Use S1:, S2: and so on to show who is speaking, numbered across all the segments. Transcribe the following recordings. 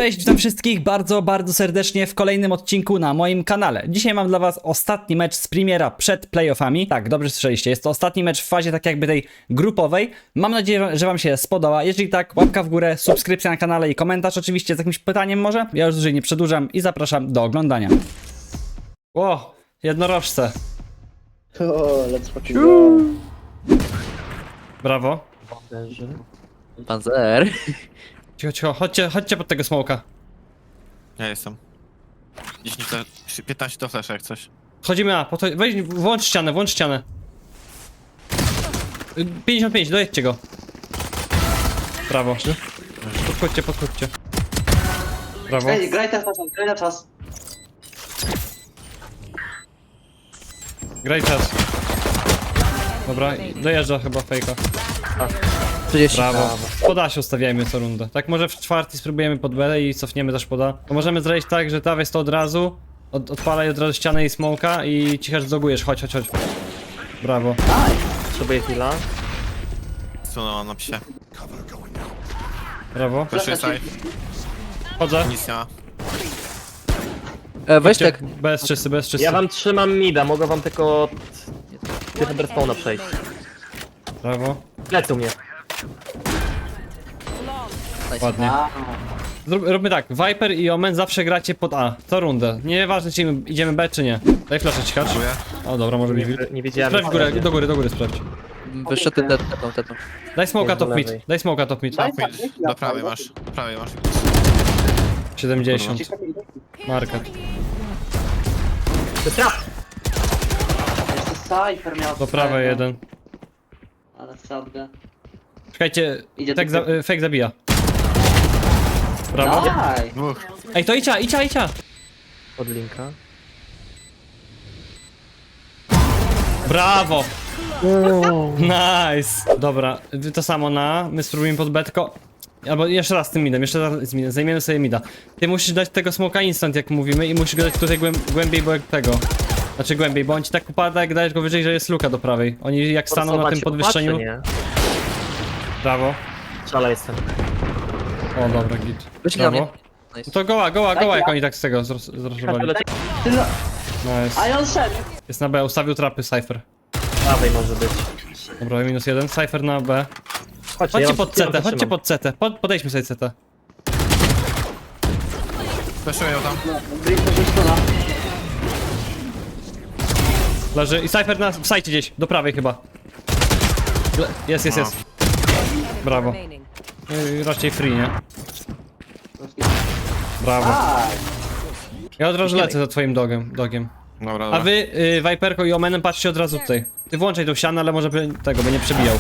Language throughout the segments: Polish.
S1: Cześć, witam wszystkich bardzo serdecznie w kolejnym odcinku na moim kanale. Dzisiaj mam dla was ostatni mecz z Premiera przed playoffami. Tak, dobrze słyszeliście, jest to ostatni mecz w fazie tak jakby tej grupowej. Mam nadzieję, że wam się spodoba. Jeżeli tak, łapka w górę, subskrypcja na kanale i komentarz oczywiście z jakimś pytaniem może. Ja już dłużej nie przedłużam i zapraszam do oglądania. Ło, jednorożce.
S2: O, let's fucking go.
S1: Brawo.
S3: Panzer.
S1: Cicho, chodźcie pod tego smoka.
S4: Ja jestem. 10 to, 15 to flash jak coś.
S1: Chodzimy A, weź, włącz ścianę. 55, dojedźcie go. Brawo. Podchodźcie. Brawo.
S2: Ej, graj na czas.
S1: Graj czas. Dobra, dojeżdża chyba fejka.
S3: 30.
S1: Brawo. Poda się ustawiajmy co rundę. Tak może w czwarty spróbujemy pod B i cofniemy też poda. To możemy zrobić tak, że ta jest to od razu. Odpalaj od razu ścianę i smoka i cicho zdogujesz. Chodź. Brawo.
S3: Sobie chwila.
S4: Sunęłam na psie.
S1: Brawo.
S4: Proszę safe.
S1: Chodzę.
S4: Nic nie ma.
S3: Weź tak.
S1: Bez czysty.
S5: Ja wam trzymam mida, mogę wam tylko od spawna przejść.
S1: Brawo.
S5: Lecą mnie.
S1: Ładnie. Róbmy tak, Viper i Omen zawsze gracie pod A, co rundę. Nieważne czy idziemy B czy nie. Daj flasza cichacz. O dobra, może być wilk.
S5: Nie wiedziałem.
S1: Sprawdź górę, do góry sprawdź.
S3: Wyższe tetą.
S1: Daj smoka
S5: Jest do
S1: top mid,
S5: lewej.
S1: daj smoka top mid.
S4: Do prawej masz. Do prawej masz.
S1: 70. Market.
S5: To trap!
S2: Jeszcze Cypher miał
S1: Do prawej jeden.
S2: Ale sadgę.
S1: Czekajcie,
S2: Idzie
S1: tak
S2: tu.
S1: fake zabija. Brawo.
S2: Daj!
S4: Dwóch.
S1: Ej, to icia.
S5: Od linka.
S1: Brawo. Nice. Dobra, wy to samo na, my spróbujemy pod B, tylko... Albo jeszcze raz z tym midem, zajmiemy sobie mida. Ty musisz dać tego smoka instant jak mówimy i musisz go dać tutaj głębiej, bo jak tego. Znaczy głębiej, bo on ci tak upada jak dajesz go wyżej, że jest luka do prawej. Oni jak staną na tym podwyższeniu...
S5: Nie?
S1: Brawo.
S5: Szala jestem.
S1: O dobra, git.
S3: Weź na mnie.
S1: Brawo. No to goła jak oni tak z tego zrożowali.
S2: Ty no...
S1: Nice.
S2: A i on szedł!
S1: Jest na B, ustawił trapy Cypher.
S5: Prawej może być.
S1: Dobra, -1, Cypher na B.
S5: Chodźcie,
S1: Chodźcie
S5: ja
S1: pod
S5: ja
S1: CT,
S5: wam
S1: chodźcie
S5: trzymam.
S1: pod CT. Podejdźmy sobie CT.
S4: Flashuję tam.
S2: Blink to stuna.
S1: Leży i Cypher w sajcie gdzieś, do prawej chyba. Jest. Brawo. Raczej free, nie? Brawo.
S2: Aj!
S1: Ja od razu lecę za twoim dogiem.
S4: Dobra,
S1: A
S4: dobra.
S1: wy, Viperko i Omenem, patrzcie od razu tutaj. Ty włączaj tą ścianę, ale może by tego, by nie przebijał.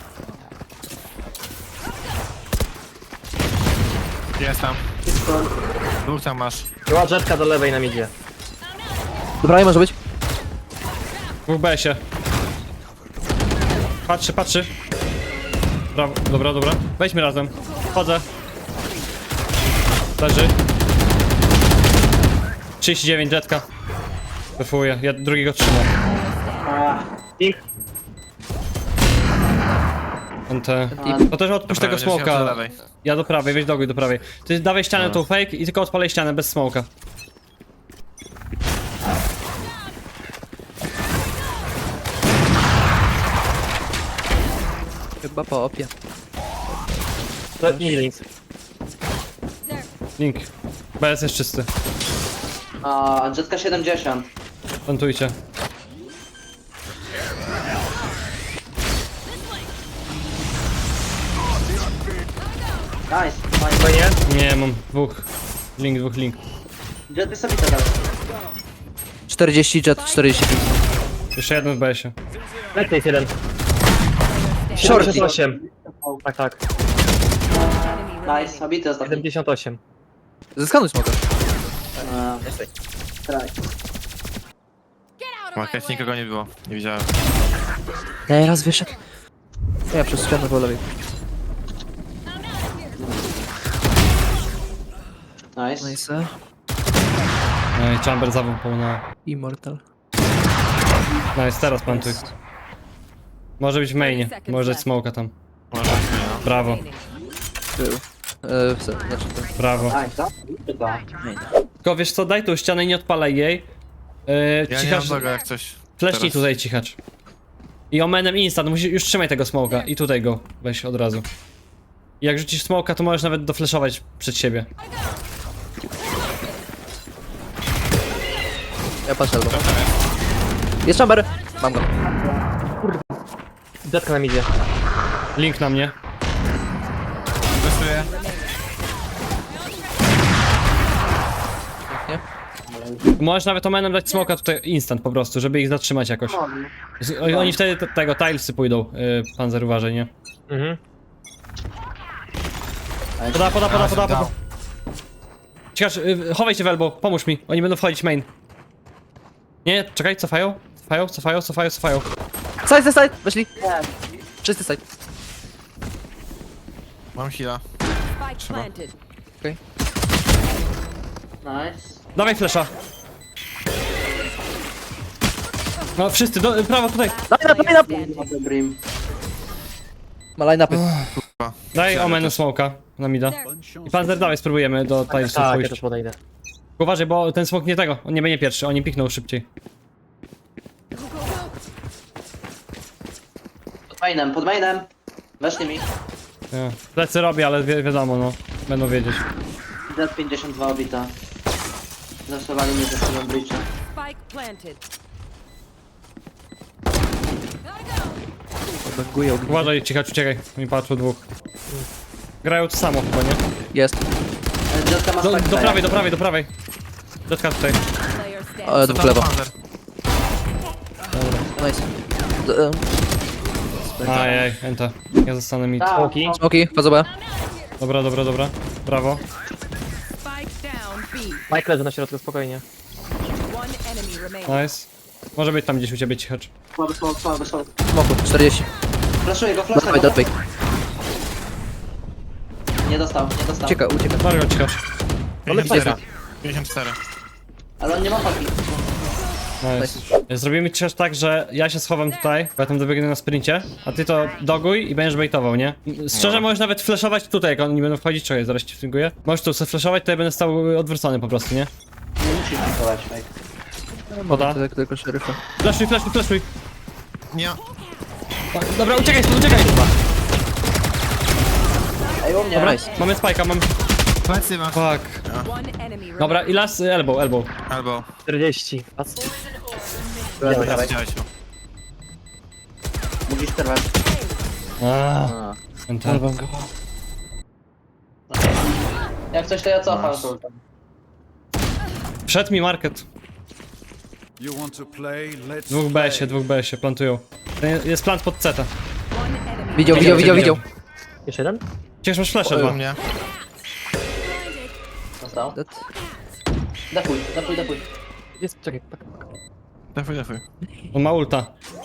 S4: Jest tam. Dwóch tam masz.
S5: Była jetka do lewej nam idzie.
S3: Dobra, może być.
S1: W BS-ie. Patrzy. Brawo, dobra. Wejdźmy razem. Chodzę. Leży. 39, jetka. Wyfuję, ja drugiego trzymam.
S5: Pink.
S1: NT. To też odpuść tego
S4: Dobra, wziąłem do
S1: smoka.
S4: lewej.
S1: Ja do prawej, weź do prawej. Ty dawaj ścianę tą fake i tylko odpalaj ścianę bez smoka.
S3: Chyba po opie.
S5: Nie link.
S1: Link. BS jest czysty.
S2: A, jetka 70.
S1: Plantujcie.
S2: Nice.
S5: Fajnie.
S1: Nie, mam dwóch. Link.
S2: Jet jest sobie teraz.
S3: 40 jet, 45.
S1: Jeszcze jeden w BS-ie.
S5: Lecę jest jeden.
S3: Short.
S5: 78. Tak.
S2: Nice, obity ostatni.
S5: 78.
S3: Zeskanuj smoka.
S2: Traj.
S4: Market nikogo nie było. Nie widziałem.
S3: Ej, raz wyszedł. Ja przez ścianę po lewej.
S2: Nice.
S3: Nice.
S1: No i Chamber zawąpał na...
S3: Immortal.
S1: Nice, teraz plantuj. Może być w mainie, może być smoka tam.
S4: Może być, no.
S1: Brawo.
S3: Był. Znaczy to...
S1: Brawo.
S2: Nice, to? Chyba.
S1: Tylko wiesz co, daj tu ścianę i nie odpalaj jej.
S4: Ja nie
S1: Cichacz,
S4: mam tego jak coś.
S1: flashnij
S4: teraz.
S1: tutaj cichacz. I omenem instant, musisz, już trzymaj tego smoka i tutaj go weź od razu. I jak rzucisz smoka, to możesz nawet doflashować przed siebie.
S3: Ja patrzę albo. Jest chamber! Mam go.
S5: Jetka na midzie.
S1: Link na mnie.
S4: Wyszuję.
S3: Nie?
S1: Możesz nawet omenem dać smoka tutaj instant po prostu, żeby ich zatrzymać jakoś. Oni wtedy tego tilesy pójdą, Panzer uważaj, nie?
S5: Mhm.
S1: Poda. Ciekaż, chowaj się w elbow, pomóż mi, oni będą wchodzić main. Nie, czekaj, cofają.
S3: Side! Weszli! Czysty side.
S4: Mam heala.
S6: Spike planted.
S2: Nice.
S1: Dawaj flesza. No wszyscy, prawo tutaj.
S3: Line up!
S2: Dobry Brim.
S3: Ma line upy.
S1: Daj omen smoka na mida. I Panzer dawaj, spróbujemy do tilesów
S5: Tak, ja
S1: pójść.
S5: też podejdę.
S1: Uważaj, bo ten smok nie tego, on nie będzie pierwszy, oni pikną szybciej.
S2: Pod mainem. Weszli mi.
S1: Nie. Plecy robię, ale wiadomo, no. Będą wiedzieć.
S2: Jet 52 obita. Zaszowali mnie ze sobą breacha.
S6: Spike planted.
S3: Banguję ognisko.
S1: Uważaj, cichacz, uciekaj. Mi patrzą dwóch. Grają to samo chyba, nie?
S3: Jest.
S2: Jetka ma
S1: Do
S2: spike.
S1: prawej. Dotka tutaj.
S6: Player standing.
S3: Dwóch lewo.
S4: Panzer.
S3: Nice.
S1: Ajaj, enta. Ja zostanę mid.
S2: Tak.
S5: Smoki.
S3: Smoki, wchodzę B.
S1: Dobra. Brawo.
S6: Spike down B.
S5: Mike leży na środku, spokojnie.
S6: One enemy remaining.
S1: Nice. Może być tam gdzieś u ciebie cichacz.
S2: Słaby.
S3: Smoku, 40.
S2: Flashuję go,
S3: Dotwaj,
S2: flashuję go.
S3: dotwaj.
S2: Nie dostał.
S3: Ucieka.
S1: Mario cichacz.
S4: 54. 54.
S2: Ale on nie ma paki.
S1: Nice. Zrobimy cichacz tak, że ja się schowam tutaj, bo ja tam dobiegnę na sprincie, a ty to doguj i będziesz baitował, nie? Szczerze możesz nawet flashować tutaj, jak oni będą wchodzić, czekaj, zaraz ci flinkuję. Możesz tu sobie flashować, to ja będę stał odwrócony po prostu, nie?
S2: Nie musisz pikować, Mike.
S1: Poda.
S3: Tylko szeryfa.
S1: Flashuj.
S4: Nie.
S1: Dobra, uciekaj.
S2: Ej, u mnie.
S1: Dobra,
S3: Nice.
S1: mamy spike'a, mamy...
S4: Plecy ma.
S1: Fuck.
S6: One enemy remaining.
S1: Dobra, i las, elbow.
S4: Albo.
S5: 40. Patrz.
S2: Dawaj.
S4: Widziałeś go.
S2: Musisz przerwać.
S3: A.
S1: Enter.
S2: Jak coś to ja cofam.
S4: Nice.
S1: Wszedł mi market.
S7: You want to play? Let's
S1: Dwóch BS-ie, plantują. Jest plant pod CT.
S6: One enemy.
S3: Widział.
S5: Jeszcze jeden?
S1: Ciekaż masz flash
S4: U
S1: dwa.
S4: mnie.
S2: Dostał.
S3: Dead.
S2: Defuj.
S5: Jest, czekaj.
S4: Defuj.
S1: On ma ulta.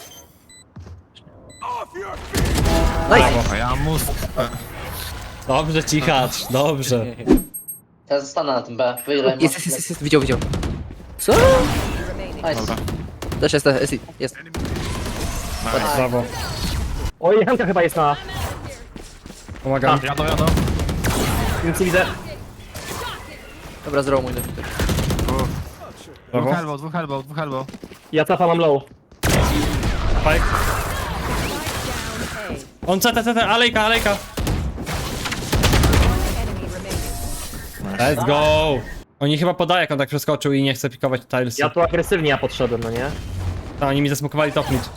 S3: Nice.
S4: A ja mam mózg.
S1: Dobrze, cichacz, dobrze.
S2: Ja zostanę na tym B. Wyjdę.
S3: Jest. Widział. Co?
S6: remaining.
S2: Nice.
S4: Dobra.
S3: Też jest.
S4: Nice.
S1: Brawo.
S5: Oj, Hanka chyba jest na...
S1: Pomagam.
S4: Jadą.
S5: Nic nie widzę.
S3: Dobra, zrobił mój debiuter.
S1: Brawo.
S4: Dwóch elbow.
S5: Ja cafa mam low.
S1: Spike. On CT, alejka.
S6: Enemy remaining.
S1: Let's go. Oni chyba podają, jak on tak przeskoczył i nie chce pikować tilesy.
S5: Ja tu agresywnie podszedłem, no nie?
S1: A, oni mi zasmokowali top mid.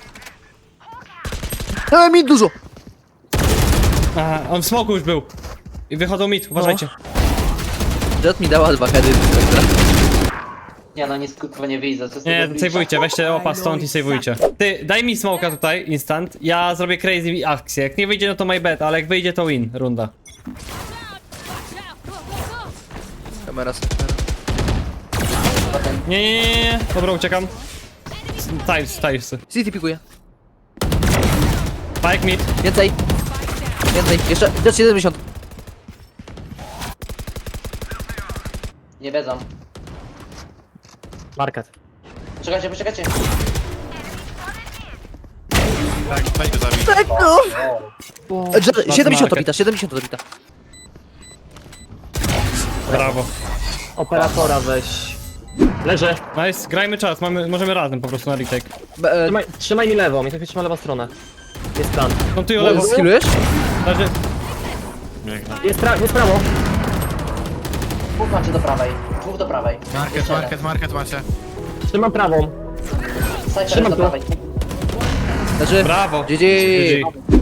S3: Mi dużo!
S1: Aha, on w smoku już był. I wychodzą mid, uważajcie.
S3: Jet mi dała 2 heady.
S2: Nie no, nic kurwa nie widzę. Co z
S1: Nie,
S2: tego breacha?
S1: sejwujcie, weźcie opa stąd i sejwujcie. Ty, daj mi smoka tutaj, instant. Ja zrobię crazy akcję. Jak nie wyjdzie, no to my bet, ale jak wyjdzie, to win, runda.
S3: Kamera.
S1: Nie. Dobra, uciekam. Tilesy.
S3: City pikuje.
S1: Spike mid.
S3: Więcej. Jeszcze. Jet 70.
S2: Nie wiedzą.
S5: Market.
S2: Poczekajcie.
S4: Tak, weź go zabij.
S3: Tak, no! Jet 70
S1: market.
S3: odbita, 70 odbita.
S1: Brawo.
S5: Operatora weź. Leżę.
S1: Nice, grajmy czas, możemy razem po prostu na retake.
S5: Trzymaj mi lewą, mi tak trzyma lewa strona. Jest plan.
S1: Kontuję lewo.
S3: Skillujesz?
S1: Leży.
S4: Biegnę.
S5: Jest prawo.
S2: Dwóch macie do prawej. Dwóch do prawej.
S4: Market macie.
S5: Trzymam prawą.
S2: Snajper
S5: Trzymam
S2: do
S5: tu.
S2: prawej.
S3: Leży.
S1: Brawo.
S3: GG.
S1: GG.